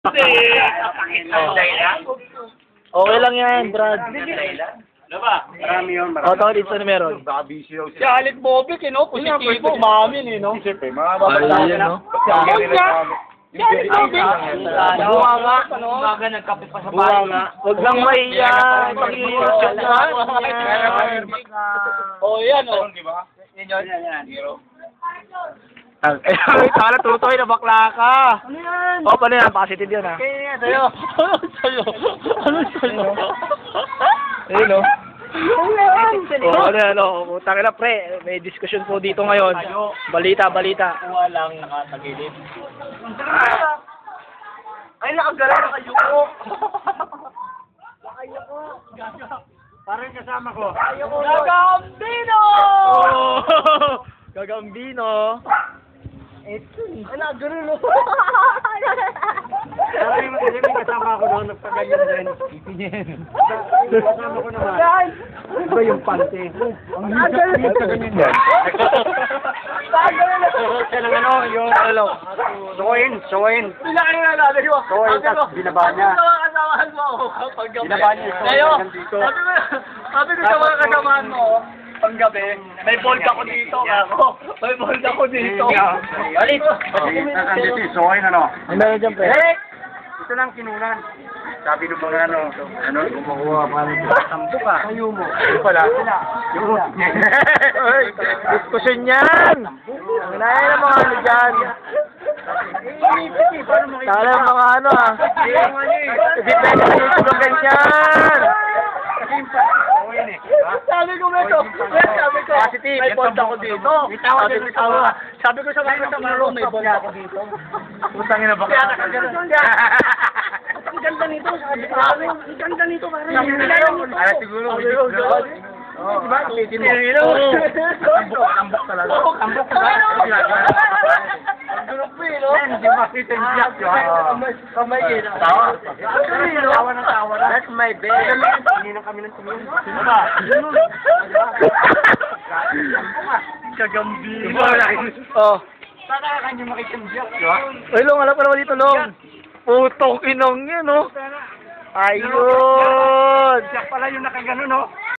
Okay lang yan, Brad. Ano ba? Marami yun, marami. O, tawag dito na meron. Baka busy daw Si siya. Alec Bobic, positibo, umamin, no? Siyempre, mga Ayun, no? Si Alec Bobic. Buwa nga. Umaga nagkape pa sa Buwa nga. Huwag lang mahiya. Pag-iisip na. Oh, yan, oh. Sana tutoy na bakla ka. Ano yan? O, paano yan? Positive yan, ha? Kaya sa'yo. Ano sa'yo? Ano sa'yo? Ayun, no? O, ano yan, no? Putang ina, pre. May diskusyon po dito ngayon. Balita. Walang nakatagilid. Ay, nakagala na kayo ko. Parang kasama ko. Gagambino! Gagambino. Ito. Ay, nakagala na. Parang may kasama ako doon, nagpaganyan din. Kasama ko naman. Iba yung pante. Ang higit ka ganyan yan. Siya ng ano, yung ano. Suwain. Bila kayo na natin mo. Suwain, tapos binaba niya. Kasamahan mo ako paggabi. Binaba niya yung Ngayon, suwain nandito. sabi ko sa mga kasamahan mo, panggabi, may bold ako dito, ako. May bold ako dito. Alit! Nakandito yung suwain, ano? Ang meron dyan, pre. Ito lang kinunan. Sabi ng mga ano, kumukuha pa rin. Tampo ka. Kayo mo. Yung pala, sila. Yung Ay, diskusyon yan. Ang naya ng mga ano dyan. Kala ng mga ano, ha. Hindi pwede kayo tulong ganyan. Sabi ko, Positive. may bold ako dito. Sabi ko sa mga kasamahan mo, may bold ako dito. Putangin na ba? Ang ganda nito, sabi ko. Ang ganda nito, parang. Ay, siguro. Diba? Pitin mo. Kambok talaga. Kambok talaga. Grupo eh, no? Hindi makita yung jack, di ba? Kamay eh. Tawa. Tawa ng tawa na. That's my bed. Hindi na kami ng tumingin. Ano ba? Kagambino. Oh. Sana ka hindi makita yung jack, di ba? Ay, Long, alam ko naman dito, Long. Putong inong yan, no? Ayun. Jack pala yung nakagano, no?